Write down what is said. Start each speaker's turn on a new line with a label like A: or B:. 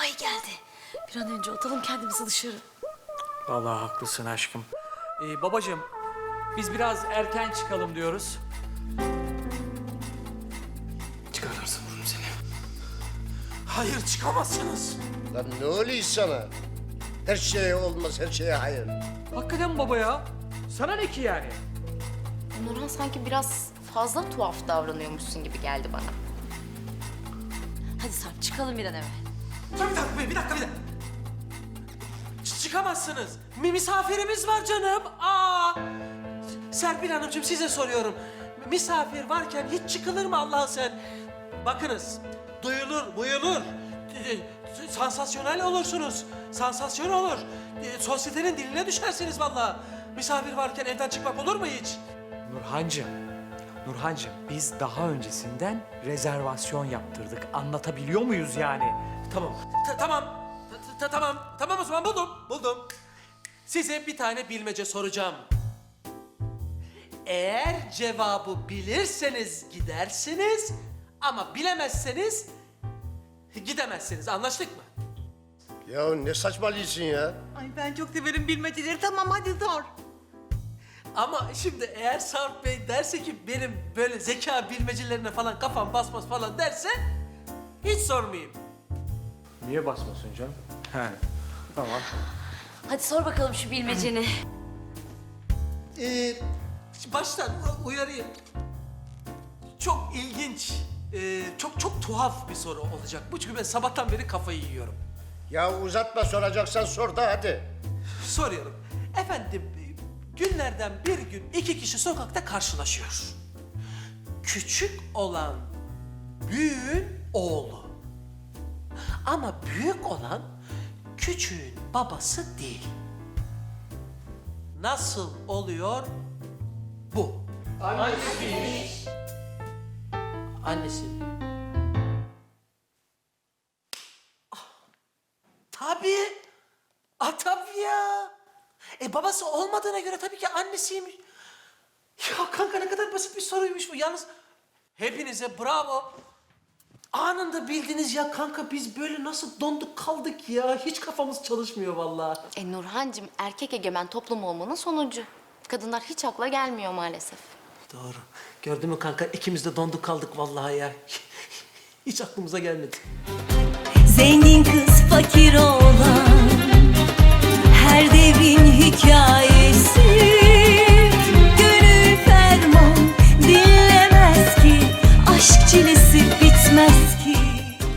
A: Ay geldi. Bir an önce atalım kendimizi dışarı.
B: Vallahi haklısın aşkım. Babacığım, biz biraz erken çıkalım diyoruz.
C: Çıkarlarsa vururum seni. Hayır, çıkamazsınız.
D: Lan ne oluyor sana? Her şeye olmaz, her şeye hayır.
B: Hakikaten baba ya. Sana ne ki yani?
E: Nurhan sanki biraz fazla tuhaf davranıyormuşsun gibi geldi bana.
A: Hadi Sarp çıkalım bir an evvel.
C: Bir dakika. Çıkamazsınız. Misafirimiz var canım. Serpil Hanımcığım size soruyorum. Misafir varken hiç çıkılır mı Allah'ın sen? Bakınız, duyulur. Sansasyonel olursunuz. Sansasyon olur. Sosyetenin diline düşersiniz vallahi. Misafir varken evden çıkmak olur mu hiç?
B: Nurhancığım, biz daha öncesinden rezervasyon yaptırdık. Anlatabiliyor muyuz yani?
C: Tamam o zaman buldum. Size bir tane bilmece soracağım. Eğer cevabı bilirseniz gidersiniz ama bilemezseniz gidemezsiniz. Anlaştık mı?
D: Ya ne saçmalıyorsun ya?
F: Ay ben çok severim bilmeceleri. Tamam hadi sor.
C: Ama şimdi eğer Sarp Bey derse ki benim böyle zeka bilmecelerine falan kafam basmaz falan derse hiç sormayayım.
B: Niye basmasın canım? He, tamam.
A: Hadi sor bakalım şu bilmeceni.
C: Baştan uyarayım. Çok ilginç, çok tuhaf bir soru olacak. Bu çünkü ben sabahtan beri kafayı yiyorum.
D: Ya uzatma, soracaksan sor da hadi.
C: Soruyorum. Efendim, günlerden bir gün iki kişi sokakta karşılaşıyor. Küçük olan büyüğün oğlu. Ama büyük olan küçüğün babası değil. Nasıl oluyor bu? Annesi. Tabii. Tabii ya. Babası olmadığına göre tabii ki annesiymiş. Ya kanka ne kadar basit bir soruymuş bu. Yalnız hepinize bravo. Anında bildiniz ya kanka, biz böyle nasıl donduk kaldık ya. Hiç kafamız çalışmıyor vallahi.
E: Nurhancığım erkek egemen toplum olmanın sonucu. Kadınlar hiç akla gelmiyor maalesef.
C: Doğru. Gördün mü kanka, ikimiz de donduk kaldık vallahi ya. Hiç aklımıza gelmedi.
G: Zengin kız fakir oğlan, her devrin hikayesi.